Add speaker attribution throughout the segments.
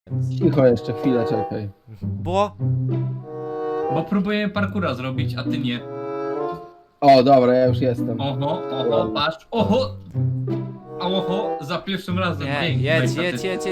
Speaker 1: Cicho jeszcze, chwilę czekaj.
Speaker 2: Bo
Speaker 3: Bo próbuję parkura zrobić, a ty nie.
Speaker 1: O, dobra, ja już jestem.
Speaker 3: Oho, patrz, oho, za pierwszym razem.
Speaker 2: nie,
Speaker 3: Pięknie,
Speaker 2: jedź,
Speaker 3: niestety.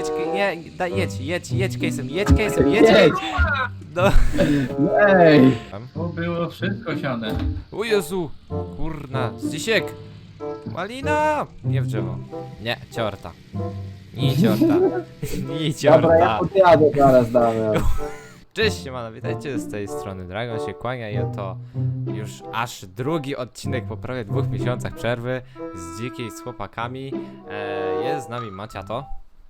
Speaker 2: jedź case'em, jedź. No.
Speaker 1: Ej!
Speaker 3: To było wszystko siane.
Speaker 2: O Jezu, kurna, Zdzisiek. Malina! Nie w drzewo. Nie, ciorta. Nie ciorta. Nie
Speaker 1: Dobra, ja
Speaker 2: ciorta.
Speaker 1: podjadę zaraz, Damian.
Speaker 2: Cześć, siemano, witajcie z tej strony Dragon się kłania i oto już aż drugi odcinek po prawie 2 miesiącach przerwy z Dzikiej z chłopakami. Jest z nami Maciato.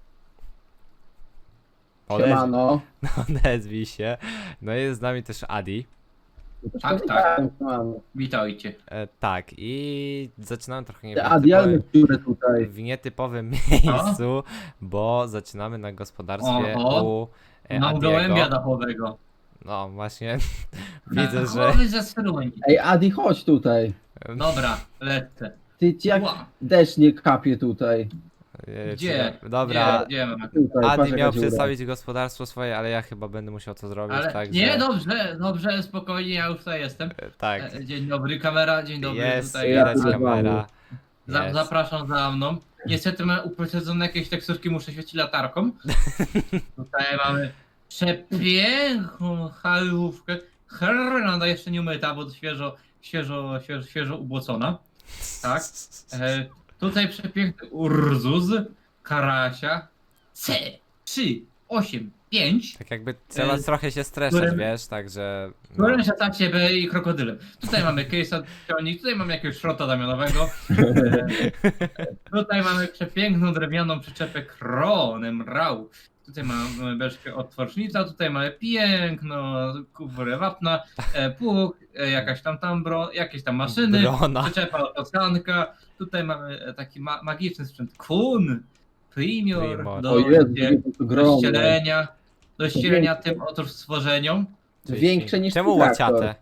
Speaker 1: Siemano.
Speaker 2: Odezwij się. No jest z nami też Adi.
Speaker 3: Tak.
Speaker 1: Siemano.
Speaker 3: Witajcie.
Speaker 2: Tak, i zaczynamy trochę
Speaker 1: Te adialne dziury tutaj.
Speaker 2: w nietypowym miejscu, bo zaczynamy na gospodarstwie
Speaker 3: Oho.
Speaker 2: u
Speaker 3: Mam gołębia
Speaker 2: Adiego.
Speaker 3: dachowego.
Speaker 2: No właśnie, widzę, że...
Speaker 3: Głowy ze struń.
Speaker 1: Ej, Adi, chodź tutaj.
Speaker 3: Dobra, lecę.
Speaker 1: Ty ci jak
Speaker 3: Ła.
Speaker 1: deszcz nie kapie tutaj.
Speaker 3: Gdzie?
Speaker 2: Dobra,
Speaker 3: Gdzie mamy?
Speaker 1: Tutaj, patrz,
Speaker 2: Adi
Speaker 1: jaka
Speaker 2: miał
Speaker 1: dziura.
Speaker 2: przedstawić gospodarstwo swoje, ale ja chyba będę musiał to zrobić,
Speaker 3: Ale
Speaker 2: także...
Speaker 3: nie, dobrze, spokojnie, ja już tutaj jestem.
Speaker 2: Tak,
Speaker 3: Dzień dobry, kamera, dzień dobry.
Speaker 2: jest,
Speaker 3: Tutaj
Speaker 1: ja
Speaker 2: widać
Speaker 1: tu
Speaker 2: kamera. Jest.
Speaker 3: Zapraszam za mną. Niestety mam uprocedzone jakieś teksturki, muszę świecić latarką. Tutaj mamy przepiękną halówkę. Herlanda jeszcze nie umyta, bo świeżo ubłocona. Tak. Tutaj przepiękny Urzus, Karasia, C385,
Speaker 2: Tak jakby trzeba trochę się streszać,
Speaker 3: którym-
Speaker 2: wiesz, także... No.
Speaker 3: którym się tak ciebie i krokodylem. Tutaj mamy case'a ciągnik, tutaj mamy jakiegoś szrota Damianowego. Tutaj mamy przepiękną drewnianą przyczepę Kronem Rau. Tutaj mamy beczkę od tworcznica, tutaj mamy piękną kuburę wapna, pług, jakaś tam jakieś tam maszyny,
Speaker 2: Brona.
Speaker 3: przyczepa autosanka. Tutaj mamy taki magiczny sprzęt Kun, Primior,
Speaker 2: Primor.
Speaker 3: do,
Speaker 1: O Jezu, to
Speaker 3: do
Speaker 1: gromne.
Speaker 3: ścielenia tym otóż stworzeniom.
Speaker 1: Większe niż
Speaker 2: Czemu
Speaker 1: traktor.
Speaker 2: łaciate?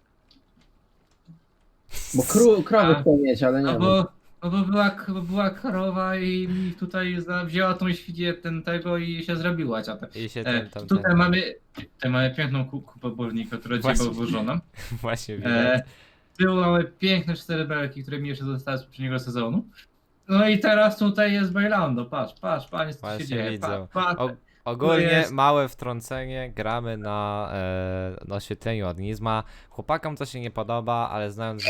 Speaker 1: Bo krowy chcą mieć, ale nie
Speaker 3: No
Speaker 1: wiem.
Speaker 3: bo była krowa i mi tutaj wzięła tą świnię tego i się zrobiła ciapę.
Speaker 2: I się
Speaker 3: Tutaj mamy piękną kupę bolnika, która dzisiaj
Speaker 2: Właśnie.
Speaker 3: była włożona.
Speaker 2: Właśnie widać.
Speaker 3: Z tyłu mamy piękne 4 belki, które mi jeszcze zostały z poprzedniego sezonu. No i teraz tutaj jest Bailando, patrz, panie, co tu się
Speaker 2: Właśnie
Speaker 3: dzieje,
Speaker 2: widzę.
Speaker 3: patrz.
Speaker 2: Ogólnie
Speaker 3: jest-
Speaker 2: małe wtrącenie, gramy na oświetleniu od Nizma. Chłopakom to się nie podoba, ale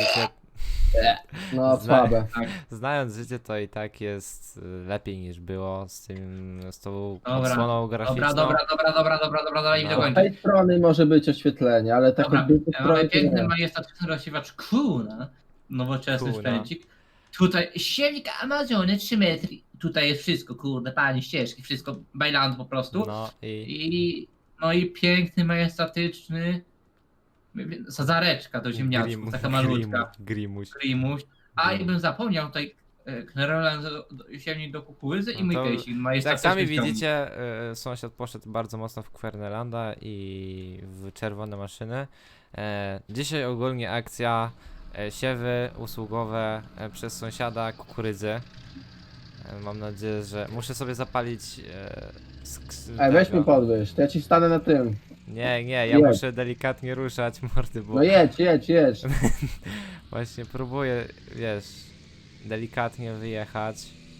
Speaker 1: No,
Speaker 2: Zna-
Speaker 1: słabe.
Speaker 2: znając życie to i tak jest lepiej niż było z tą
Speaker 3: Dobra,
Speaker 2: odsłoną graficzną.
Speaker 3: Dobra, i
Speaker 2: No.
Speaker 3: do
Speaker 1: Z
Speaker 3: końca.
Speaker 1: tej strony może być oświetlenie, ale tak
Speaker 3: Dobra,
Speaker 1: od drugiej
Speaker 3: mamy
Speaker 1: strony to
Speaker 3: piękny,
Speaker 1: nie.
Speaker 3: majestatyczny rozsiewacz Kuna, nowoczesny
Speaker 2: Kuna.
Speaker 3: sprzęcik. Tutaj siewnik Amazony 3 metry. Tutaj jest wszystko, kurde, panie, ścieżki, wszystko, bajland po prostu.
Speaker 2: No i
Speaker 3: I piękny, majestatyczny sadzareczka do ziemniaczków, taka malutka.
Speaker 2: Grimuś.
Speaker 3: Grimuś. A i bym zapomniał tutaj Kneroland, siewnik do kukurydzy i
Speaker 2: No
Speaker 3: mój
Speaker 2: to
Speaker 3: kejsik,
Speaker 2: Jak
Speaker 3: majestatyczny
Speaker 2: sami
Speaker 3: ciągnik.
Speaker 2: widzicie, sąsiad poszedł bardzo mocno w Kwernelanda i w czerwone maszyny. Dzisiaj ogólnie akcja siewy usługowe przez sąsiada kukurydzy. Mam nadzieję, że muszę sobie zapalić.
Speaker 1: Ej, weź
Speaker 2: tego.
Speaker 1: mi podwyż, to ja ci stanę na tym.
Speaker 2: Nie, ja
Speaker 1: Jedź.
Speaker 2: muszę delikatnie ruszać mordy, bo
Speaker 1: No jedź.
Speaker 2: właśnie próbuję, wiesz, delikatnie wyjechać.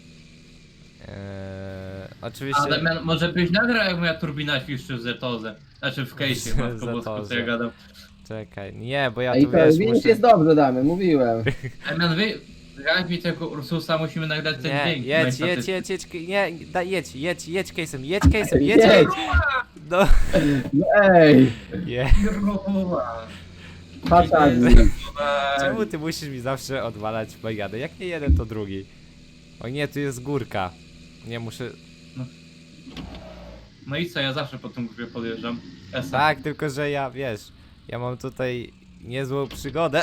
Speaker 2: Oczywiście.
Speaker 3: A Damian, może byś nagrał, jak moja turbina świszczy w Zetozę. Znaczy w case'ie, matko bosko, co
Speaker 2: Zetozę.
Speaker 3: ja gadam.
Speaker 2: Czekaj, nie, bo ja
Speaker 1: Ej,
Speaker 2: tu
Speaker 1: to
Speaker 2: wiesz,
Speaker 1: widzisz,
Speaker 2: muszę...
Speaker 1: jest dobrze, damy, mówiłem.
Speaker 3: Damian, jak mi tego Ursusa musimy nagrać ten
Speaker 2: Nie,
Speaker 3: dźwięk.
Speaker 2: jedź, case'em, jedź case'em,
Speaker 1: Jedź.
Speaker 2: No,
Speaker 1: No ej, patrz Adi.
Speaker 2: czemu ty musisz mi zawsze odwalać bajadę? Jak nie jeden, to drugi. O nie, tu jest górka. Nie, muszę...
Speaker 3: No i co, ja zawsze po tym grupie podjeżdżam. Esa.
Speaker 2: Tak, tylko że ja, wiesz, ja mam tutaj niezłą przygodę.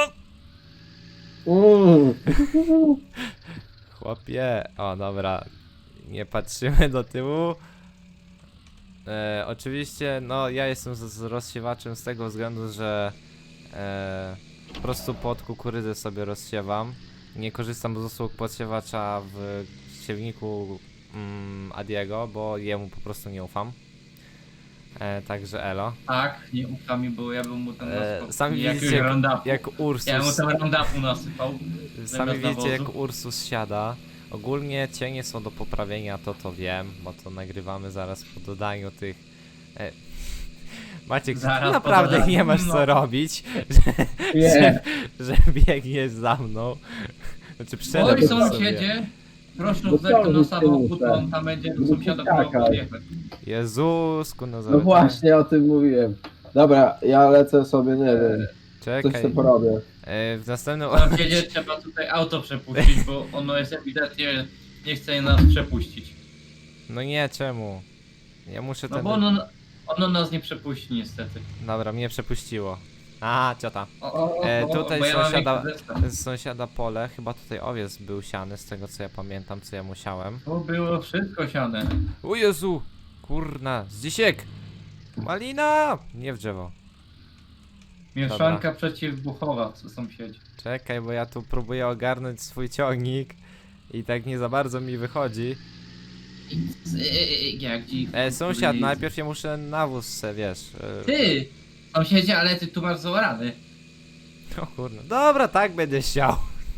Speaker 2: Chłopie, o dobra, nie patrzymy do tyłu. Oczywiście, no ja jestem z rozsiewaczem z tego względu, że po prostu pod kukurydzę sobie rozsiewam. Nie korzystam z usług podsiewacza w siewniku Adiego, bo jemu po prostu nie ufam. Także elo.
Speaker 3: Tak, nie ufam mi, bo ja bym mu ten nasypał.
Speaker 2: Sami
Speaker 3: Jakiegoś
Speaker 2: widzicie,
Speaker 3: roundupu.
Speaker 2: jak Ursus...
Speaker 3: Ja mu ten roundupu nasypał.
Speaker 2: Sami
Speaker 3: zamiast
Speaker 2: widzicie, jak
Speaker 3: nawozu.
Speaker 2: Ursus siada. Ogólnie cienie są do poprawienia, to wiem, bo to nagrywamy zaraz po dodaniu tych... Maciek,
Speaker 3: Zaraz
Speaker 2: ty
Speaker 3: po
Speaker 2: naprawdę
Speaker 3: dodaniu,
Speaker 2: nie masz
Speaker 3: no.
Speaker 2: co robić,
Speaker 1: Nie.
Speaker 2: że biegniesz za mną. Znaczy
Speaker 3: Oj,
Speaker 2: przede mną sobie.
Speaker 3: sąsiedzie, proszę
Speaker 1: No
Speaker 3: zerknąć na
Speaker 1: co,
Speaker 3: samochód,
Speaker 1: muszę.
Speaker 3: on tam będzie do
Speaker 1: No
Speaker 3: sąsiada
Speaker 1: skakaj.
Speaker 3: próbował podjechać.
Speaker 2: Jezusku, no
Speaker 1: No
Speaker 2: zaraz.
Speaker 1: właśnie o tym mówiłem. Dobra, ja lecę sobie, nie wiem. Coś
Speaker 2: Czekaj,
Speaker 1: sobie porobię.
Speaker 2: w następnym...
Speaker 3: Sąsiedzie trzeba tutaj auto przepuścić, bo ono jest ewidentnie, nie chce nas przepuścić.
Speaker 2: No nie, czemu? Ja muszę
Speaker 3: No
Speaker 2: ten...
Speaker 3: bo ono nas nie przepuści niestety.
Speaker 2: Dobra, mnie przepuściło. A, ciota. Tutaj
Speaker 3: bo ja mam
Speaker 2: sąsiada,
Speaker 3: większy zestaw.
Speaker 2: z sąsiada pole, chyba tutaj owiec był siany, z tego co ja pamiętam, co ja musiałem.
Speaker 3: To było wszystko siane.
Speaker 2: O Jezu! Kurna, Zdzisiek! Malina! Nie w drzewo.
Speaker 3: Mieszanka przeciwbuchowa, co sąsiedzi.
Speaker 2: Czekaj, bo ja tu próbuję ogarnąć swój ciągnik i tak nie za bardzo mi wychodzi.
Speaker 3: Jak dziś.
Speaker 2: Sąsiad, najpierw ja muszę nawóz se, wiesz.
Speaker 3: Ty! Sąsiedzie, ale ty tu masz zaorany.
Speaker 2: O kurna. Dobra, tak będę chciał.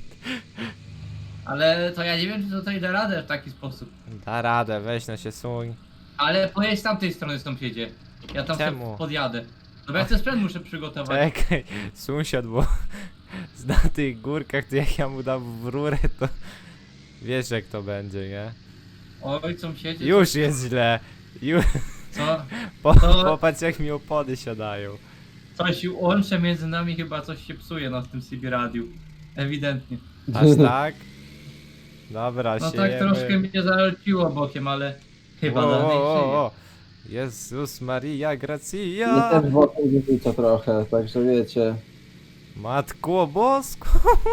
Speaker 3: Ale to ja nie wiem, czy tutaj da radę w taki sposób.
Speaker 2: Da radę, weź no się suń.
Speaker 3: Ale pojedź z tamtej strony sąsiedzie. Ja tam
Speaker 2: Czemu?
Speaker 3: sobie podjadę. No bo ja ten sprzęt muszę przygotować.
Speaker 2: Czekaj, sąsiad, bo na tych górkach, to jak ja mu dam w rurę, to wiesz jak to będzie, nie?
Speaker 3: Oj, sąsiedzie.
Speaker 2: Już jest źle. Już,
Speaker 3: Co?
Speaker 2: popatrz jak mi opony siadają.
Speaker 3: Coś łącze między nami, chyba coś się psuje na tym CB radiu. Ewidentnie.
Speaker 2: Aż tak? Dobra,
Speaker 3: No
Speaker 2: siejemy.
Speaker 3: tak troszkę mnie zaleciło bokiem, ale chyba
Speaker 2: O,
Speaker 3: dalej
Speaker 2: o,
Speaker 3: żyje.
Speaker 2: o. Jezus Maria
Speaker 1: Nie
Speaker 2: Gracia.
Speaker 1: też wokół wyrzuca trochę, także wiecie.
Speaker 2: Matko Bosko.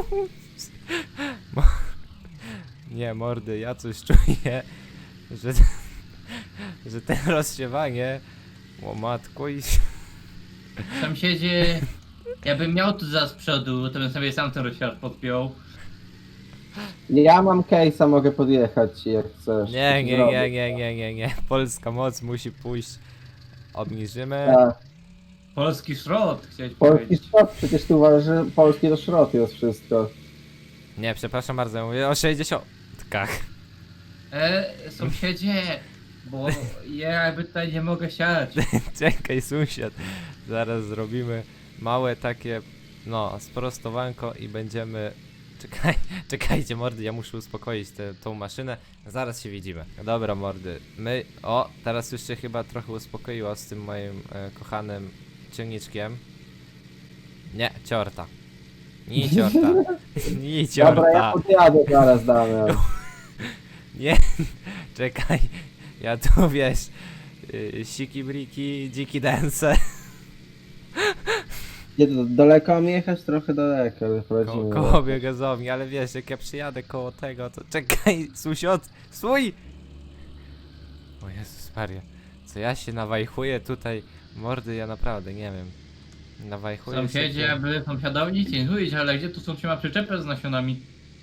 Speaker 2: Nie, mordy, ja coś czuję, że te rozsiewanie, o matko i...
Speaker 3: Sąsiedzie, ja bym miał tu za z przodu, to bym sobie sam ten rozsiarz podpiął.
Speaker 1: Ja mam case'a, mogę podjechać ci jak chcesz.
Speaker 2: Nie, polska moc musi pójść. Obniżymy.
Speaker 1: Tak.
Speaker 3: Polski szrot, chciałeś
Speaker 1: Polski
Speaker 3: powiedzieć.
Speaker 1: szrot, przecież tu uważasz, że polski to szrot jest wszystko.
Speaker 2: Nie, przepraszam bardzo, ja mówię o 60.
Speaker 3: Sąsiedzie, bo ja jakby tutaj nie mogę siać.
Speaker 2: Czekaj, sąsiad. Zaraz zrobimy małe takie, no, sprostowanko i będziemy... Czekajcie mordy, ja muszę uspokoić tą maszynę. Zaraz się widzimy. Dobra mordy, my... O, teraz już się chyba trochę uspokoiło z tym moim kochanym ciągniczkiem. Nie, ciorta. Nie ciorta. Nie
Speaker 1: Dobra, ja
Speaker 2: ciorta.
Speaker 1: podjadę zaraz, Damian.
Speaker 2: Nie, czekaj. Ja tu wiesz... Siki briki, dziki dance.
Speaker 1: Nie, daleko mam jechać? Trochę daleko, wychodzimy.
Speaker 2: Koło biogazowni, ale wiesz, jak ja przyjadę koło tego, to czekaj, sąsiad, stój! O Jezus Maria, co ja się nawajchuję tutaj, mordy, ja naprawdę nie wiem. Nawajchuję
Speaker 3: Sąsiedzie,
Speaker 2: się...
Speaker 3: jakby sąsiadowi nic nie mówić, ale gdzie tu są trzyma przyczepę z nasionami?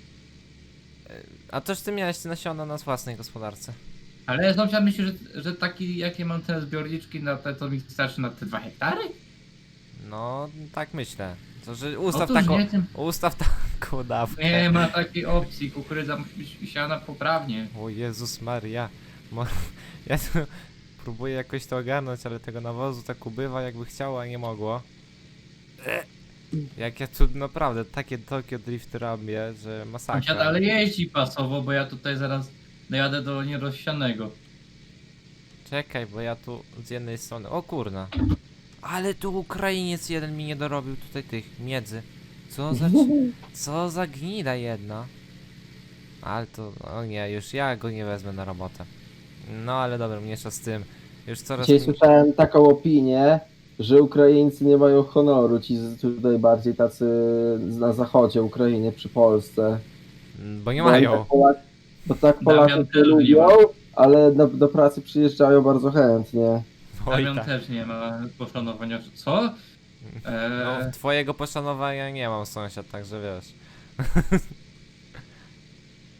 Speaker 2: A toż ty miałeś te nasiona na własnej gospodarce.
Speaker 3: Ale sąsiad myśli, że taki, jakie mam te zbiorniczki na te, to mi starczy na te 2 hektary?
Speaker 2: No, tak myślę. To, że ustaw
Speaker 3: Otóż
Speaker 2: taką,
Speaker 3: nie, tym-
Speaker 2: ustaw taką dawkę.
Speaker 3: Nie ma takiej opcji, kukurydza musi być siana poprawnie.
Speaker 2: O Jezus Maria, ja tu próbuję jakoś to ogarnąć, ale tego nawozu tak ubywa jakby chciało, a nie mogło. Jak ja tu naprawdę takie Tokio Drift robię, że
Speaker 3: Sąsiad,
Speaker 2: masakra.
Speaker 3: ale jeździ pasowo, bo ja tutaj zaraz dojadę do nierozsianego.
Speaker 2: Czekaj, bo ja tu z jednej strony... O kurna. Ale tu Ukrainiec jeden mi nie dorobił tutaj tych miedzy. Co za gnida jedna. Ale to... O nie, już ja go nie wezmę na robotę. No ale dobra, mniejsza z tym. Już coraz...
Speaker 1: Dzisiaj słyszałem taką opinię, że Ukraińcy nie mają honoru, ci tutaj bardziej tacy na zachodzie Ukrainy przy Polsce.
Speaker 2: Bo nie
Speaker 1: Bo
Speaker 2: mają.
Speaker 1: tak bo tak
Speaker 3: Damian
Speaker 1: Polacy
Speaker 3: też
Speaker 1: to
Speaker 3: nie ma.
Speaker 1: lubią, ale do pracy przyjeżdżają bardzo chętnie.
Speaker 2: Oj,
Speaker 3: Damian
Speaker 2: tak.
Speaker 3: też nie ma poszanowania. Co?
Speaker 2: No, twojego poszanowania nie mam, sąsiad, także wiesz.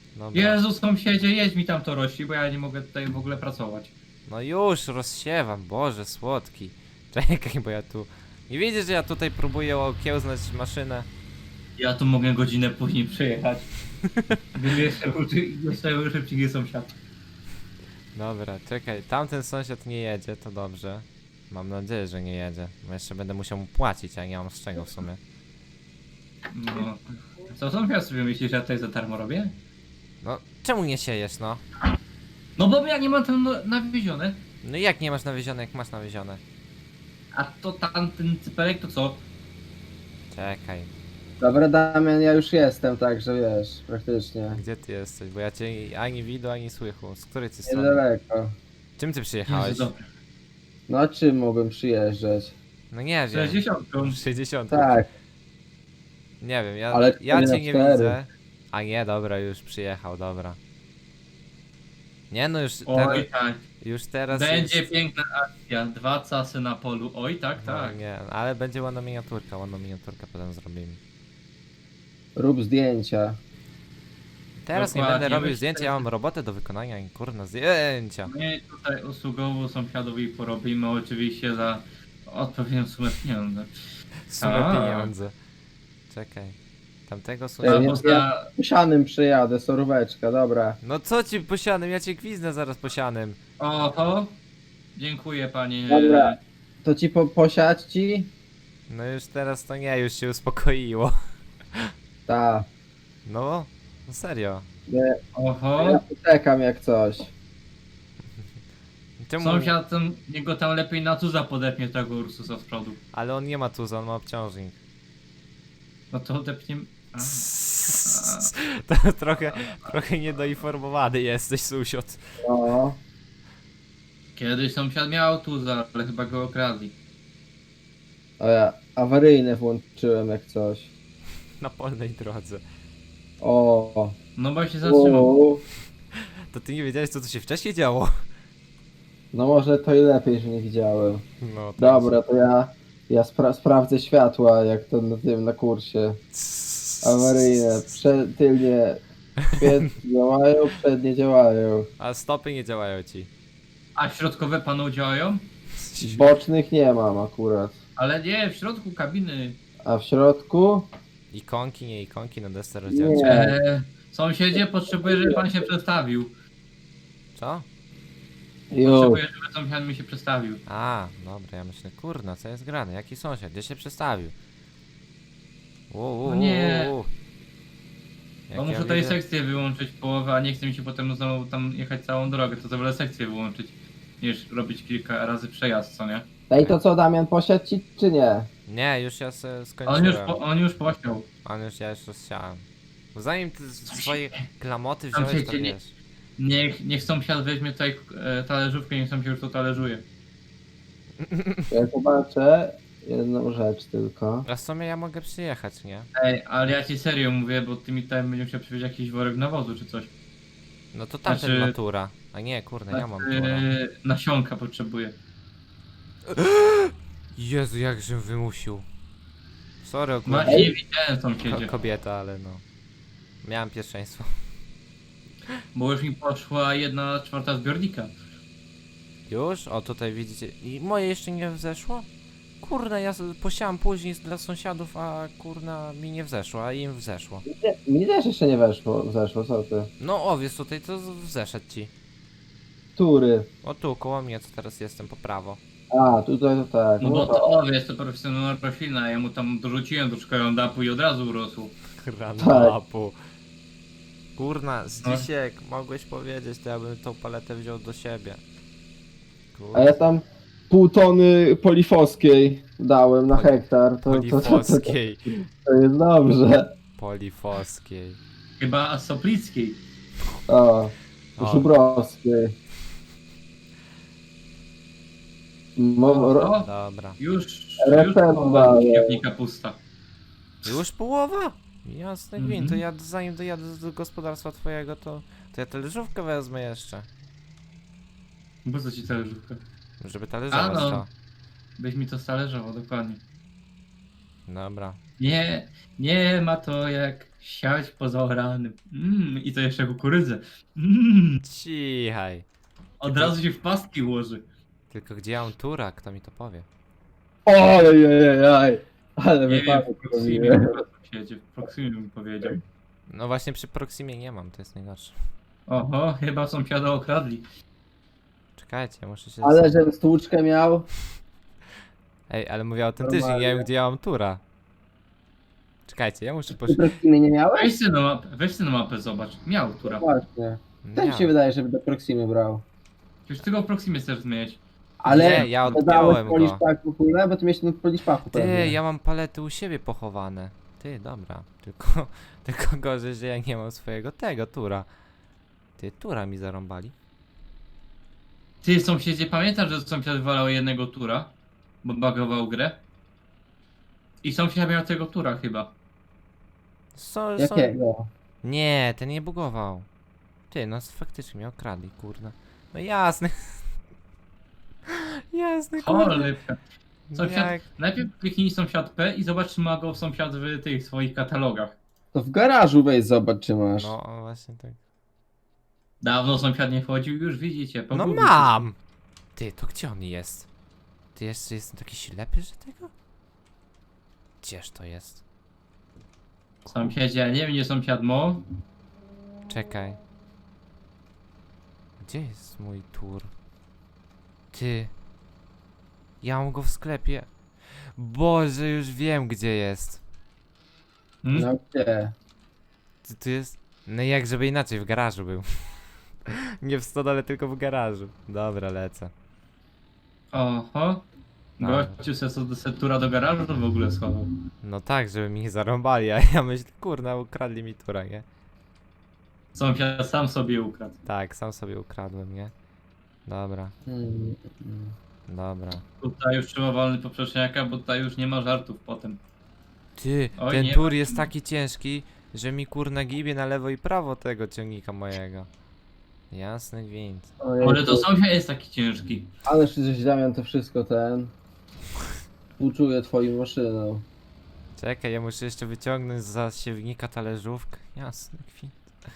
Speaker 2: Dobra.
Speaker 3: Jezu, sąsiedzie, jedź mi tam to rości, bo ja nie mogę tutaj w ogóle pracować.
Speaker 2: No już, rozsiewam, Boże, słodki. Czekaj, bo ja tu... Nie widzisz, że ja tutaj próbuję okiełznać maszynę?
Speaker 3: Ja tu mogę godzinę później przejechać. Bym jeszcze szybciej nie sąsiad.
Speaker 2: Dobra, czekaj, tamten sąsiad nie jedzie, to dobrze. Mam nadzieję, że nie jedzie, bo jeszcze będę musiał mu płacić, a nie mam z czego w sumie.
Speaker 3: No. Co sąsiad sobie myśli, że ja tutaj za darmo robię?
Speaker 2: No, czemu nie siejesz, no?
Speaker 3: No bo ja nie mam tam nawiezione.
Speaker 2: No i jak nie masz nawiezione, jak masz nawiezione?
Speaker 3: A to tamten cypelek to co?
Speaker 2: Czekaj,
Speaker 1: Dobra, Damian, ja już jestem, także wiesz, praktycznie.
Speaker 2: gdzie ty jesteś? Bo ja cię ani widu, ani słychu. Z której ty strony?
Speaker 1: Niedaleko.
Speaker 2: Czym ty przyjechałeś?
Speaker 3: Jezu, dobra.
Speaker 1: No a czym mogłem przyjeżdżać?
Speaker 2: No nie wiem.
Speaker 3: 60.
Speaker 2: 60.
Speaker 1: Tak,
Speaker 2: Nie wiem,
Speaker 1: Ale
Speaker 2: ja
Speaker 1: cztery
Speaker 2: cię
Speaker 1: na
Speaker 2: nie
Speaker 1: cztery.
Speaker 2: widzę. A nie, dobra, już przyjechał, dobra. Nie no,
Speaker 3: Oj tak.
Speaker 2: już teraz
Speaker 3: Będzie
Speaker 2: jest...
Speaker 3: piękna akcja. 2 casy na polu. Oj tak,
Speaker 2: No,
Speaker 3: tak.
Speaker 2: nie, ale będzie ładna miniaturkę potem zrobimy.
Speaker 1: rób zdjęcia.
Speaker 2: Teraz nie
Speaker 3: Dokładnie,
Speaker 2: będę robił
Speaker 3: myślę,
Speaker 2: zdjęcia, ja mam robotę do wykonania i kurna zdjęcia.
Speaker 3: My tutaj usługowo sąsiadowi porobimy oczywiście za odpowiednią sumę pieniędzy.
Speaker 2: Sumę
Speaker 3: A.
Speaker 2: pieniądze. Czekaj. Tamtego
Speaker 1: Ja
Speaker 2: sąsiada...
Speaker 3: Albo
Speaker 1: nie-
Speaker 3: za...
Speaker 1: Posianym przyjadę, soróweczka, dobra.
Speaker 2: No co ci posianym, ja cię gwiznę zaraz posianym.
Speaker 3: Oho. Dziękuję panie.
Speaker 1: Dobra. To ci posiać ci?
Speaker 2: No już teraz to nie, już się uspokoiło.
Speaker 1: Tak.
Speaker 2: No, no serio.
Speaker 1: Ja
Speaker 3: Oho.
Speaker 1: czekam jak coś.
Speaker 2: Czemu?
Speaker 3: Sąsiad tam, niego tam lepiej na cuza podepnie tego Ursusa z przodu.
Speaker 2: Ale on nie ma tuza, on ma obciążnik.
Speaker 3: No to odepniemy... A.
Speaker 2: To trochę niedoinformowany jesteś, sąsiad.
Speaker 1: No.
Speaker 3: Kiedyś sąsiad miał tuza, ale chyba go okradli.
Speaker 1: O ja awaryjne włączyłem jak coś.
Speaker 2: Na polnej drodze.
Speaker 1: O.
Speaker 3: No bo się zatrzymał.
Speaker 1: U.
Speaker 2: To ty nie wiedziałeś, co tu się wcześniej działo?
Speaker 1: No może to i lepiej, że nie widziałem.
Speaker 2: No, tak.
Speaker 1: Dobra, to ja sprawdzę światła, jak to na tym na kursie. Awaryjne, tylnie świetnie działają, przednie działają.
Speaker 2: A stopy nie działają ci.
Speaker 3: A środkowe panu działają?
Speaker 1: Bocznych nie mam akurat.
Speaker 3: Ale nie, w środku kabiny.
Speaker 1: A w środku?
Speaker 2: Ikonki, nie ikonki na desce rozdzielczej.
Speaker 1: Nie.
Speaker 3: Sąsiedzie, potrzebuję, żeby pan się przedstawił.
Speaker 2: Co?
Speaker 1: Już.
Speaker 3: Potrzebuję, żeby sąsiad mi się przedstawił.
Speaker 2: A, dobra, ja myślę, kurna, co jest grane? Jaki sąsiad? Gdzie się przestawił?
Speaker 3: No nie.
Speaker 2: Jak
Speaker 3: Bo
Speaker 2: ja
Speaker 3: muszę tej
Speaker 2: widzę-
Speaker 3: sekcję wyłączyć połowę, a nie chce mi się potem znowu tam jechać całą drogę, to wolę sekcję wyłączyć, niż robić kilka razy przejazd, co nie?
Speaker 1: Ej, to co, Damian, posiać ci czy nie?
Speaker 2: Nie, już ja se
Speaker 3: On
Speaker 2: skończyłem.
Speaker 3: już posiał.
Speaker 2: Ja już rozsiałem. Bo zanim ty swoje klamoty
Speaker 3: Tam
Speaker 2: wziąłeś, to
Speaker 3: siedzi, nie-
Speaker 2: wiesz.
Speaker 3: Niech sąsiad weźmie tutaj talerzówkę, niech sam się już to talerzuje.
Speaker 1: Ja zobaczę jedną rzecz tylko.
Speaker 2: A w sumie ja mogę przyjechać, nie?
Speaker 3: Ej, ale ja ci serio mówię, bo ty mi tutaj będziesz musiał przywieźć jakiś worek nawozu czy coś.
Speaker 2: No to tamten
Speaker 3: Znaczy-
Speaker 2: natura. A nie, kurde, ja mam tura.
Speaker 3: Nasionka potrzebuję.
Speaker 2: Jezu, jakżem wymusił. Sorry, akurat
Speaker 3: Właśnie nie widziałem sąsiedzie,
Speaker 2: kobieta, ale no. Miałem pierwszeństwo.
Speaker 3: bo już mi poszła 1/4 zbiornika.
Speaker 2: Już? O, tutaj widzicie. I moje jeszcze nie wzeszło? Kurna, ja posiałam później dla sąsiadów, a kurna mi nie wzeszło, a im wzeszło.
Speaker 1: Mi też jeszcze nie zeszło, co ty?
Speaker 2: No owiec tutaj to wzeszedł ci.
Speaker 1: Który?
Speaker 2: O tu, koło mnie, co teraz jestem, po prawo.
Speaker 1: A, tutaj to tak.
Speaker 3: No bo
Speaker 1: to-
Speaker 3: to owiec to profesjonalna roślina, ja mu tam dorzuciłem troszkę rondapu i od razu urosł.
Speaker 2: Granapu. Kurna,
Speaker 3: No.
Speaker 2: Zdzisiek, mogłeś powiedzieć, to ja bym tą paletę wziął do siebie.
Speaker 1: A
Speaker 2: Kurna,
Speaker 1: ja tam pół tony polifoskiej dałem na hektar. To
Speaker 2: polifoskiej.
Speaker 1: to jest dobrze.
Speaker 2: Polifoskiej.
Speaker 3: Chyba Soplickiej.
Speaker 1: O,
Speaker 2: O.
Speaker 1: Żubrowskiej.
Speaker 3: O,
Speaker 2: Dobra.
Speaker 3: już
Speaker 1: Referendum
Speaker 3: połowa
Speaker 1: daję.
Speaker 3: śmietnika pusta.
Speaker 2: Już połowa? Jasny gwint, to
Speaker 3: Mhm.
Speaker 2: ja zanim dojadę do gospodarstwa twojego, to ja talerzówkę wezmę jeszcze.
Speaker 3: Po co ci talerzówka?
Speaker 2: Żeby talerzować
Speaker 3: A, no.
Speaker 2: to.
Speaker 3: Byś mi to stalerzował, dokładnie.
Speaker 2: Dobra.
Speaker 3: Nie ma to jak siać poza oranym. I to jeszcze kukurydzę.
Speaker 2: Cichaj.
Speaker 3: Od razu się w pastki ułoży.
Speaker 2: Tylko gdzie ja mam tura, kto mi to powie?
Speaker 1: Ojej, ale
Speaker 3: Nie wiem,
Speaker 1: wypadek
Speaker 3: w Proximie
Speaker 1: zrobiłem.
Speaker 3: po prostu siedzi, w Proximie mi powiedział.
Speaker 2: No właśnie przy Proximie nie mam, to jest najgorsze.
Speaker 3: Oho, chyba sąsiada okradli.
Speaker 2: Czekajcie, muszę się...
Speaker 1: Ale żebym stłuczkę miał.
Speaker 2: Ej, ale mówię autentycznie, nie wiem
Speaker 1: Normalnie.
Speaker 2: gdzie ja mam tura. Czekajcie, ja muszę
Speaker 1: Ty Proximy nie miałeś?
Speaker 3: Weź sobie na mapę, zobacz. Miał tura.
Speaker 1: Właśnie. Też mi się
Speaker 2: Nie,
Speaker 1: wydaje, żeby do Proximy brał.
Speaker 3: Już tego w Proximie chcesz zmieniać.
Speaker 1: Ale
Speaker 2: Nie, ja
Speaker 1: dodałeś
Speaker 2: odpiąłem go.
Speaker 1: policzpak w ogóle, bo ty miałeś ten policzpaku
Speaker 2: Ty,
Speaker 1: pewnie.
Speaker 2: ja mam palety u siebie pochowane. Ty, dobra. Tylko, tylko gorzej, że ja nie mam swojego tego tura. Ty, tura mi zarąbali.
Speaker 3: Ty, sąsiedzie, pamiętasz, że sąsiad walał jednego tura? Bo bagował grę? I sąsiad miał tego tura chyba.
Speaker 1: Jakiego?
Speaker 2: Nie, ten nie bugował. Ty, no faktycznie mnie okradli, kurde. No jasne. Jasne, kurde.
Speaker 3: Cholipka. Sąsiad,
Speaker 2: Jak...
Speaker 3: najpierw kliknij sąsiad P i zobacz, czy ma go sąsiad w tych swoich katalogach.
Speaker 1: To w garażu wejdź, zobacz czy masz.
Speaker 2: No, właśnie tak.
Speaker 3: Dawno sąsiad nie wchodził, już widzicie.
Speaker 2: No
Speaker 3: pogubił
Speaker 2: mam! Ty, to gdzie on jest? Ty jeszcze jestem taki ślepy, że tego? Gdzież to jest?
Speaker 3: się. Sąsiedzie, nie wiem, gdzie sąsiad mo.
Speaker 2: Czekaj. Gdzie jest mój tur? Ty. Ja mam go w sklepie. Boże, już wiem gdzie jest.
Speaker 1: No gdzie?
Speaker 2: Tu jest... No jak żeby inaczej, w garażu był. Nie w stodole, tylko w garażu. Dobra, lecę.
Speaker 3: Oho.
Speaker 2: Dobra.
Speaker 3: Gościu se tura do garażu to w ogóle schował.
Speaker 2: No tak, żeby mi nie zarąbali, a ja myślę, kurna, ukradli mi tura, nie?
Speaker 3: Sąsiad sam sobie ukradł.
Speaker 2: Tak, sam sobie ukradłem, nie? Dobra,
Speaker 1: Hmm.
Speaker 2: dobra.
Speaker 3: Tutaj już trzeba walny poprzeczniaka, bo tutaj już nie ma żartów potem.
Speaker 2: Ty,
Speaker 3: Oj,
Speaker 2: ten
Speaker 3: nie
Speaker 2: tur
Speaker 3: ma.
Speaker 2: jest taki ciężki, że mi kurna gibie na lewo i prawo tego ciągnika mojego. Jasny gwint.
Speaker 1: Ojejku.
Speaker 3: Ale to sąsiad jest taki ciężki.
Speaker 1: Ale że Damian to wszystko ten. Współczuję twoją maszyną.
Speaker 2: Czekaj, ja muszę jeszcze wyciągnąć za siewnika talerzówkę. Jasny gwint.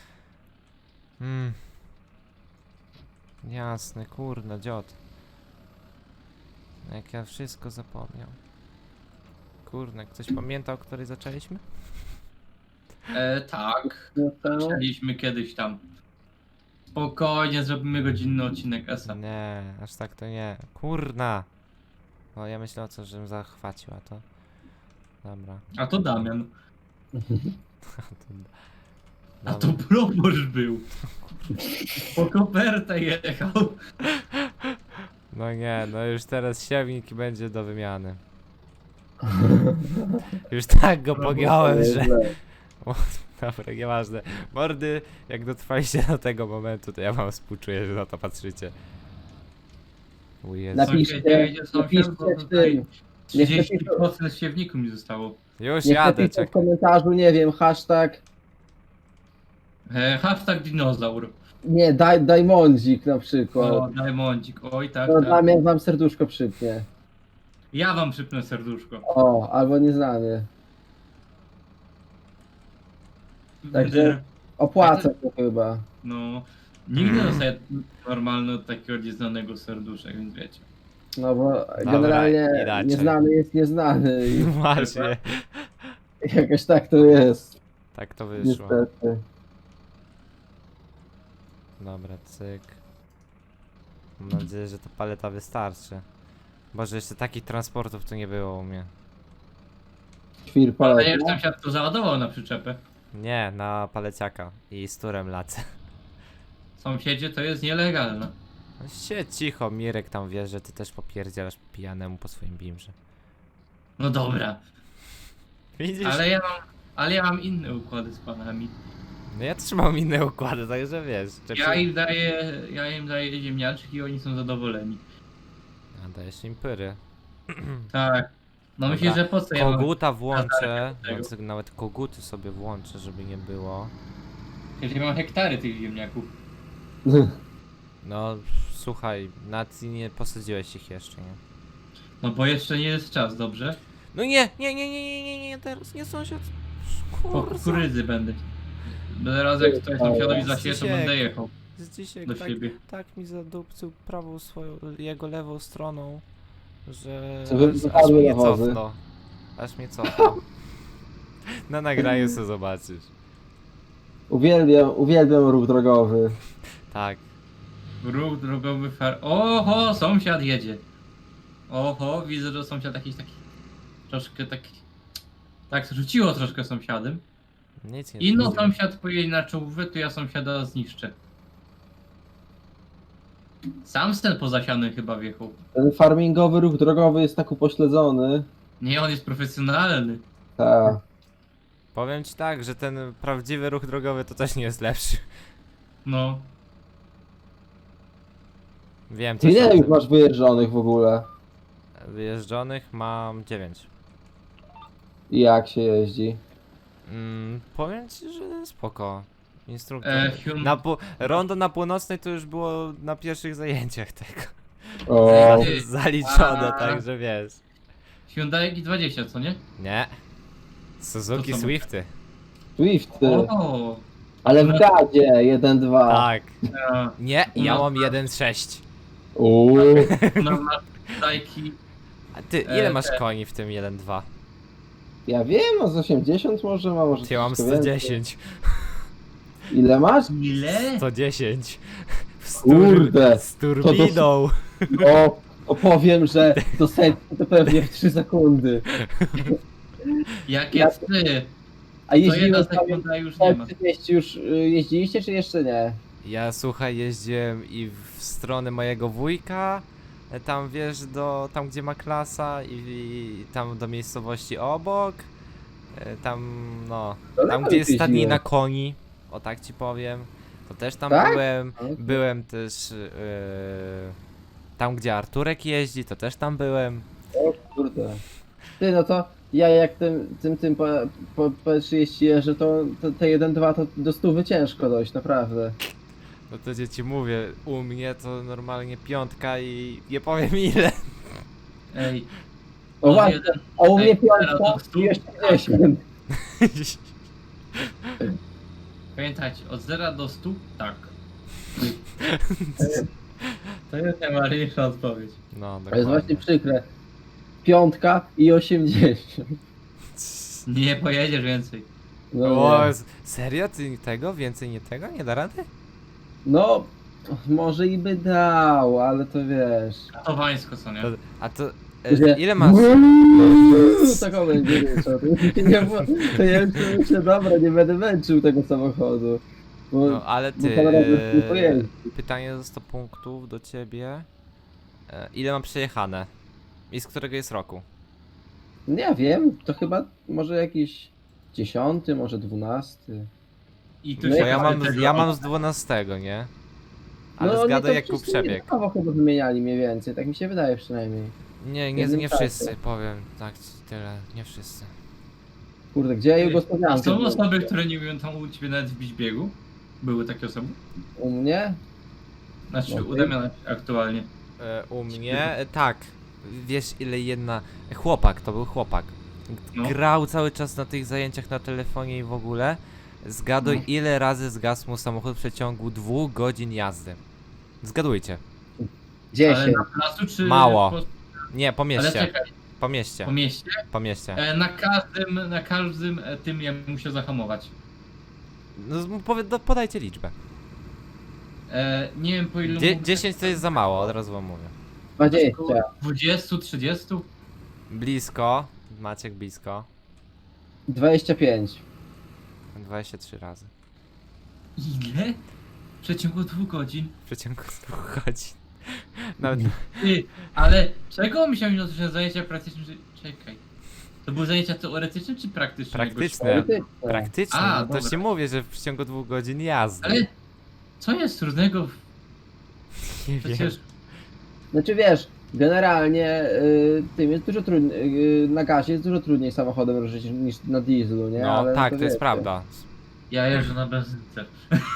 Speaker 2: Jasny, kurna, dziot. Jak ja wszystko zapomniał. Kurna, ktoś pamiętał, o której zaczęliśmy?
Speaker 3: Tak.
Speaker 1: No to...
Speaker 3: Zaczęliśmy kiedyś tam. Spokojnie, zrobimy godzinny odcinek ESA.
Speaker 2: Nie, aż tak to nie. Kurna! No ja myślę o co, żebym zachwacił, a to... Dobra.
Speaker 3: A to Damian. A to
Speaker 2: Dobra.
Speaker 3: proboszcz był. Po kopertę jechał.
Speaker 2: No nie, no już teraz siewnik i będzie do wymiany. Już tak go pogiąłem, że... O, dobra, nieważne. Mordy, jak dotrwaliście do tego momentu, to ja wam współczuję, że na to patrzycie. O Jezu.
Speaker 1: Napiszcie, napiszcie w tym. Niech
Speaker 3: 30% siewniku mi zostało.
Speaker 2: Już
Speaker 1: Niech
Speaker 2: jadę,
Speaker 1: napiszcie w
Speaker 2: czekaj.
Speaker 1: komentarzu, nie wiem, hashtag.
Speaker 3: Hashtag dinozaur.
Speaker 1: Nie, Dajmondzik na przykład.
Speaker 3: O, Diamondzik. Oj, tak,
Speaker 1: To
Speaker 3: tak.
Speaker 1: Damian wam serduszko przypnie.
Speaker 3: Ja wam przypnę serduszko.
Speaker 1: O, albo nieznany. Także opłaca to chyba.
Speaker 3: No, nigdy nie dostaję normalnie od takiego nieznanego serduszek, więc wiecie.
Speaker 1: No bo generalnie
Speaker 2: inaczej.
Speaker 1: nieznany jest nieznany i
Speaker 2: Właśnie.
Speaker 1: jakoś tak to jest.
Speaker 2: Tak to wyszło.
Speaker 1: Niestety.
Speaker 2: Dobra, cyk. Mam nadzieję, że ta paleta wystarczy. Boże, jeszcze takich transportów tu nie było u mnie.
Speaker 1: Świr
Speaker 3: Ale
Speaker 1: paleta.
Speaker 3: ja już sąsiad to załadował na przyczepę.
Speaker 2: Nie, na paleciaka i z turem lacę.
Speaker 3: Sąsiedzie to jest nielegalne.
Speaker 2: No siedź cicho, Mirek tam wie, że ty też popierdzielasz pijanemu po swoim bimrze.
Speaker 3: No dobra,
Speaker 2: Widzisz?
Speaker 3: ale ja mam inne układy z panami.
Speaker 2: No ja też mam inne układy, także wiesz.
Speaker 3: Ja im daję ziemniaczki i oni są zadowoleni.
Speaker 2: A dajesz im pyry.
Speaker 3: Tak. No
Speaker 2: Dobra.
Speaker 3: myślisz, że po co ja mam...
Speaker 2: Koguta włączę,
Speaker 3: tego.
Speaker 2: no, nawet koguty sobie włączę, żeby nie było.
Speaker 3: Przecież ja mam hektary tych ziemniaków.
Speaker 2: No słuchaj, nawet nie posadziłeś ich jeszcze, nie?
Speaker 3: No bo jeszcze nie jest czas, dobrze?
Speaker 2: No nie, teraz nie sąsiad.
Speaker 3: Po
Speaker 2: Kurwa.
Speaker 3: kukurydzy będę. Będę raz jak tutaj sąsiadowi zasieje, to
Speaker 2: Krzysiek.
Speaker 3: będę jechał
Speaker 2: Z dzisiaj
Speaker 3: do
Speaker 2: tak,
Speaker 3: siebie.
Speaker 2: tak mi zadupcył prawą swoją, jego lewą stroną, że
Speaker 1: Co wy-
Speaker 2: aż
Speaker 1: wypadły
Speaker 2: mnie
Speaker 1: nawozy.
Speaker 2: cofnął. Aż mnie cofnął. Na nagraniu sobie zobaczysz.
Speaker 1: Uwielbiam ruch drogowy.
Speaker 2: Tak.
Speaker 3: Ruch drogowy Oho, sąsiad jedzie. Oho, widzę, że sąsiad jakiś taki... Troszkę taki... Tak, rzuciło troszkę sąsiadem.
Speaker 2: Nic nie
Speaker 3: Inno
Speaker 2: zrobiłem.
Speaker 3: sąsiad pojedzie na czołówę, to ja sąsiada zniszczę. Sam ten pozasiany chyba wjechał.
Speaker 1: Ten farmingowy ruch drogowy jest tak upośledzony.
Speaker 3: Nie, on jest profesjonalny.
Speaker 1: Tak.
Speaker 2: Powiem ci tak, że ten prawdziwy ruch drogowy to też nie jest lepszy.
Speaker 3: No.
Speaker 2: Wiem,
Speaker 1: Ty
Speaker 2: coś o
Speaker 1: ile już
Speaker 2: tym.
Speaker 1: masz wyjeżdżonych w ogóle?
Speaker 2: Wyjeżdżonych mam 9.
Speaker 1: I jak się jeździ?
Speaker 2: Powiem ci, że spoko. Instruktor. Rondo na północnej to już było na pierwszych zajęciach tego.
Speaker 1: O,
Speaker 3: Ty.
Speaker 2: Zaliczone,
Speaker 3: A.
Speaker 2: także wiesz.
Speaker 3: Hyundai i20, co nie?
Speaker 2: Nie. Suzuki
Speaker 3: To co?
Speaker 2: Swifty.
Speaker 1: Swifty.
Speaker 3: O,
Speaker 1: Ale w gadzie 1-2.
Speaker 2: Tak.
Speaker 3: ja.
Speaker 2: Nie, ja
Speaker 3: No.
Speaker 2: mam 1.6.
Speaker 1: Uuu.
Speaker 3: Normalne Hyundai.
Speaker 2: A ty, ile masz
Speaker 3: te-
Speaker 2: koni w tym 1.2?
Speaker 1: Ja wiem, no z 80 może ma, może
Speaker 2: Ty, ja mam
Speaker 1: troszkę więcej.
Speaker 2: 110.
Speaker 1: Ile masz?
Speaker 3: Ile?
Speaker 2: 110.
Speaker 1: Kurde,
Speaker 2: Z turbiną.
Speaker 1: Opowiem, że do setki to pewnie w 3 sekundy.
Speaker 3: Jakie
Speaker 1: Ja-
Speaker 3: ty?
Speaker 1: A
Speaker 3: To jedna
Speaker 1: jeździłeś tam
Speaker 3: sekunda już nie ma.
Speaker 1: już jeździliście, czy jeszcze nie?
Speaker 2: Ja słuchaj, jeździłem i w stronę mojego wujka, tam wiesz, tam gdzie ma klasa i tam do miejscowości obok, tam no,
Speaker 1: Daleko
Speaker 2: tam gdzie jest
Speaker 1: jeździłeś.
Speaker 2: stadnina koni, o tak ci powiem, to też tam
Speaker 1: Tak?
Speaker 2: byłem też tam gdzie Arturek jeździ, to też tam byłem.
Speaker 1: O kurde. Ty, no to ja jak tym po P30 jeżdżę, to te 1-2 to do 100 ciężko dojść, naprawdę.
Speaker 2: No to gdzie ci mówię, u mnie to normalnie piątka i nie powiem ile.
Speaker 3: Ej.
Speaker 1: O
Speaker 3: od
Speaker 1: właśnie,
Speaker 3: jeden-
Speaker 1: a u mnie
Speaker 3: ej, teraz
Speaker 1: piątka
Speaker 3: do 100?
Speaker 1: i jeszcze 10.
Speaker 3: Pamiętajcie, od 0 do 100? Tak. To jest najważniejsza odpowiedź.
Speaker 2: No,
Speaker 1: To jest
Speaker 2: dokładnie.
Speaker 1: właśnie przykre. Piątka i 80.
Speaker 3: Nie pojedziesz więcej.
Speaker 1: No,
Speaker 2: O,
Speaker 1: nie.
Speaker 2: serio? Ty tego? Więcej nie tego? Nie da rady?
Speaker 1: No, może i by dał, ale to wiesz.
Speaker 3: To wańsko, co nie?
Speaker 2: A to
Speaker 1: Że-
Speaker 2: ile masz?
Speaker 1: Taką będzie ryczał. To ja już myślę, dobra, nie będę męczył tego samochodu. Bo,
Speaker 2: No ale
Speaker 1: bo
Speaker 2: ty,
Speaker 1: parę razy nie pojeździ.
Speaker 2: pytanie za 100 punktów do ciebie. Ile mam przejechane? I z którego jest roku?
Speaker 1: Nie wiem, to chyba może jakiś 10, może 12.
Speaker 3: I tu
Speaker 1: No
Speaker 3: się
Speaker 2: Bo
Speaker 3: tego-
Speaker 2: ja mam z 12, nie? Ale
Speaker 1: No, oni
Speaker 2: zgadaj
Speaker 1: to
Speaker 2: jak był
Speaker 1: wszyscy
Speaker 2: przebieg.
Speaker 1: jednakowo chyba wymieniali mniej więcej, tak mi się wydaje przynajmniej.
Speaker 2: Nie
Speaker 1: jednym czasie.
Speaker 2: wszyscy, powiem tak tyle, nie wszyscy.
Speaker 1: Kurde, gdzie ja
Speaker 3: A
Speaker 1: Jugosławiankę?
Speaker 3: są
Speaker 1: byłem?
Speaker 3: osoby, które nie umieją tam u ciebie nawet wbić biegu? Były takie osoby?
Speaker 1: U mnie?
Speaker 3: Znaczy,
Speaker 1: Okej.
Speaker 3: u Damiana aktualnie.
Speaker 2: U mnie, tak. Wiesz ile jedna... Chłopak, to był chłopak.
Speaker 3: No.
Speaker 2: Grał cały czas na tych zajęciach na telefonie i w ogóle. Zgaduj
Speaker 3: No.
Speaker 2: ile razy zgasł mu samochód w przeciągu 2 godzin jazdy. Zgadujcie.
Speaker 1: 10.
Speaker 3: Ale na placu czy...
Speaker 2: Mało.
Speaker 3: Po...
Speaker 2: Nie, po
Speaker 3: Ale
Speaker 2: mieście.
Speaker 3: czekaj,
Speaker 2: Po mieście.
Speaker 3: po mieście?
Speaker 2: Po mieście.
Speaker 3: Na każdym tym ja musiał zahamować.
Speaker 2: No, podajcie liczbę.
Speaker 3: Nie wiem po ilu...
Speaker 2: 10 to jest za mało, od razu wam mówię.
Speaker 1: 20.
Speaker 3: 20, 30?
Speaker 2: Blisko. Maciek blisko.
Speaker 1: 25.
Speaker 2: 23 razy.
Speaker 3: Ile? W przeciągu 2 godzin?
Speaker 2: W przeciągu 2 godzin. Nawet
Speaker 3: Ty, ale czego myślałem, że zajęcia praktyczne... Czekaj. To były zajęcia teoretyczne czy praktyczne?
Speaker 2: Praktyczne.
Speaker 1: Teoretyczne.
Speaker 2: praktycznie,
Speaker 3: A,
Speaker 2: no to
Speaker 3: dobra.
Speaker 2: się mówię, że w przeciągu 2 godzin jazdy.
Speaker 3: Ale co jest trudnego?
Speaker 2: Nie wiem.
Speaker 3: Przecież
Speaker 1: Znaczy wiesz, generalnie tym jest dużo trudniej, na gazie jest dużo trudniej samochodem ruszyć niż na dieslu, nie?
Speaker 2: No
Speaker 1: Ale
Speaker 2: tak, to jest
Speaker 1: wiecie.
Speaker 2: prawda.
Speaker 3: ja jeżdżę na benzynce.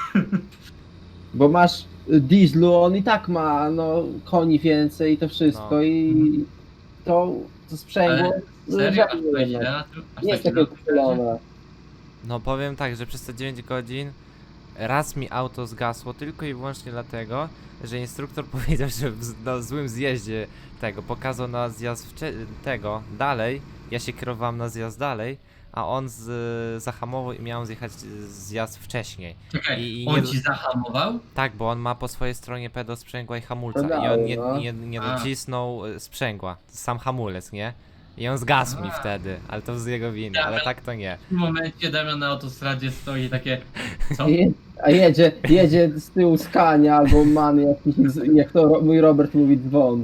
Speaker 1: Bo masz dieslu, on i tak ma no koni więcej i to wszystko
Speaker 2: No.
Speaker 1: i to sprzęgło
Speaker 3: Serio? Aż
Speaker 1: żadne
Speaker 3: tak
Speaker 1: jednak.
Speaker 3: źle na tym? Aż
Speaker 1: Nie
Speaker 3: tak
Speaker 1: jest
Speaker 3: źle
Speaker 1: takie
Speaker 3: na tym będzie?
Speaker 1: uchylone.
Speaker 2: No powiem tak, że przez te 9 godzin raz mi auto zgasło tylko i wyłącznie dlatego, że instruktor powiedział, że na złym zjeździe tego pokazał na zjazd tego dalej, ja się kierowałem na zjazd dalej, a on zahamował i miałem zjechać zjazd wcześniej.
Speaker 3: Czekaj,
Speaker 2: I
Speaker 3: on
Speaker 2: nie-
Speaker 3: ci zahamował?
Speaker 2: Tak, bo on ma po swojej stronie pedał sprzęgła i hamulca i
Speaker 1: Pedały,
Speaker 2: on
Speaker 1: no.
Speaker 2: nie
Speaker 3: A.
Speaker 2: docisnął sprzęgła, sam hamulec, nie? I on zgasł mi
Speaker 3: A.
Speaker 2: wtedy, ale to z jego winy,
Speaker 3: Ja,
Speaker 2: ale
Speaker 3: ale-
Speaker 2: tak to nie.
Speaker 3: W tym momencie Damian na autostradzie stoi takie, co?
Speaker 1: A jedzie z tyłu Scania albo man jakiś, jak to mój Robert mówi, dzwon.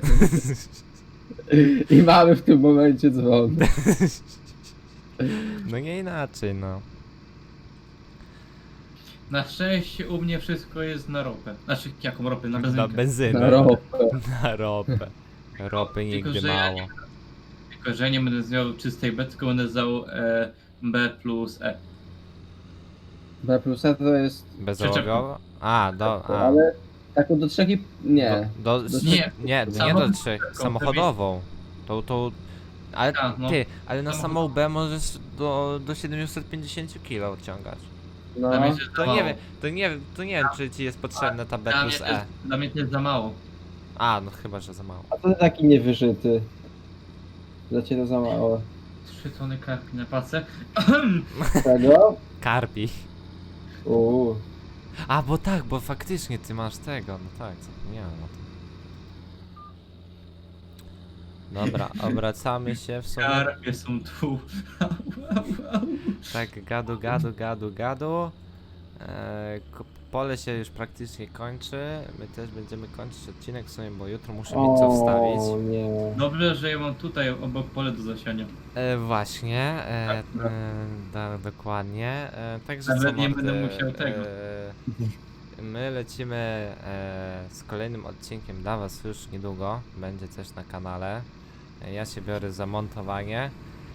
Speaker 1: I mamy w tym momencie dzwon.
Speaker 2: No nie inaczej, no.
Speaker 3: Na szczęście u mnie wszystko jest na ropę. Znaczy, jaką ropę? Na
Speaker 2: Na
Speaker 3: benzynkę.
Speaker 2: benzynę.
Speaker 1: Na ropę.
Speaker 2: Na ropę. Ropy nigdy
Speaker 3: że ja
Speaker 2: mało.
Speaker 3: Tylko, że nie będę miał czystej B, tylko będę zdał B plus E.
Speaker 1: B plus E to jest...
Speaker 2: Bezałogowo? A, a.
Speaker 1: Ale taką do 3,5... Nie.
Speaker 3: Nie,
Speaker 2: nie do
Speaker 3: samochód-
Speaker 2: 3, samochodową. To, ale
Speaker 3: A, no.
Speaker 2: ty, ale na
Speaker 3: Samochód-
Speaker 2: samą B możesz do 750 kg odciągać.
Speaker 1: No.
Speaker 3: Dla mnie to jest za
Speaker 2: To
Speaker 3: mało.
Speaker 2: nie wiem, to nie wiem, czy ci jest potrzebna ta B
Speaker 3: Dla
Speaker 2: plus
Speaker 3: mnie to
Speaker 2: E.
Speaker 3: jest, dla mnie to jest za mało.
Speaker 2: A, no chyba, że za mało.
Speaker 1: A to taki niewyżyty. Dla ciebie to za mało.
Speaker 3: 3 tony karpi na pace.
Speaker 1: Tego?
Speaker 2: Karpi.
Speaker 1: Uuu.
Speaker 2: A, bo tak, bo faktycznie ty masz tego, no tak, zapomniałem o tym. Dobra, obracamy się w sumie.
Speaker 3: Karpie są tu. Au, au, au.
Speaker 2: Tak, gadu. Pole się już praktycznie kończy. My też będziemy kończyć odcinek w sumie, bo jutro muszę mieć co
Speaker 1: O
Speaker 2: wstawić.
Speaker 1: nie.
Speaker 3: Dobrze, że ja mam tutaj obok pole do zasiania.
Speaker 2: Właśnie,
Speaker 3: Tak.
Speaker 2: dokładnie. Także
Speaker 3: Nawet
Speaker 2: co,
Speaker 3: nie
Speaker 2: mordy,
Speaker 3: będę musiał tego.
Speaker 2: my lecimy z kolejnym odcinkiem dla was już niedługo. Będzie też na kanale. Ja się biorę za montowanie.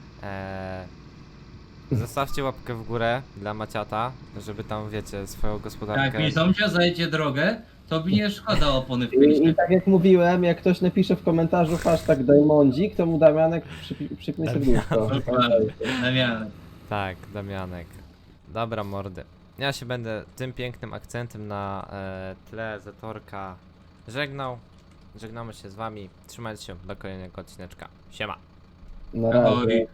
Speaker 2: Zostawcie łapkę w górę dla Maciata, żeby tam, wiecie, swoją gospodarkę...
Speaker 3: Jak mi sąsiad zajdzie drogę, to mi nie szkoda opony w
Speaker 1: I
Speaker 3: pięście.
Speaker 1: tak jak mówiłem, jak ktoś napisze w komentarzu hashtag Diamondzik, to mu Damianek przypnie serduszko.
Speaker 3: Dokładnie. Damianek.
Speaker 2: Tak, Damianek. Dobra, mordy. Ja się będę tym pięknym akcentem na tle Zatorka żegnał. Żegnamy się z wami. Trzymajcie się do kolejnego odcineczka. Siema.
Speaker 1: Na razie.
Speaker 3: Ahoj.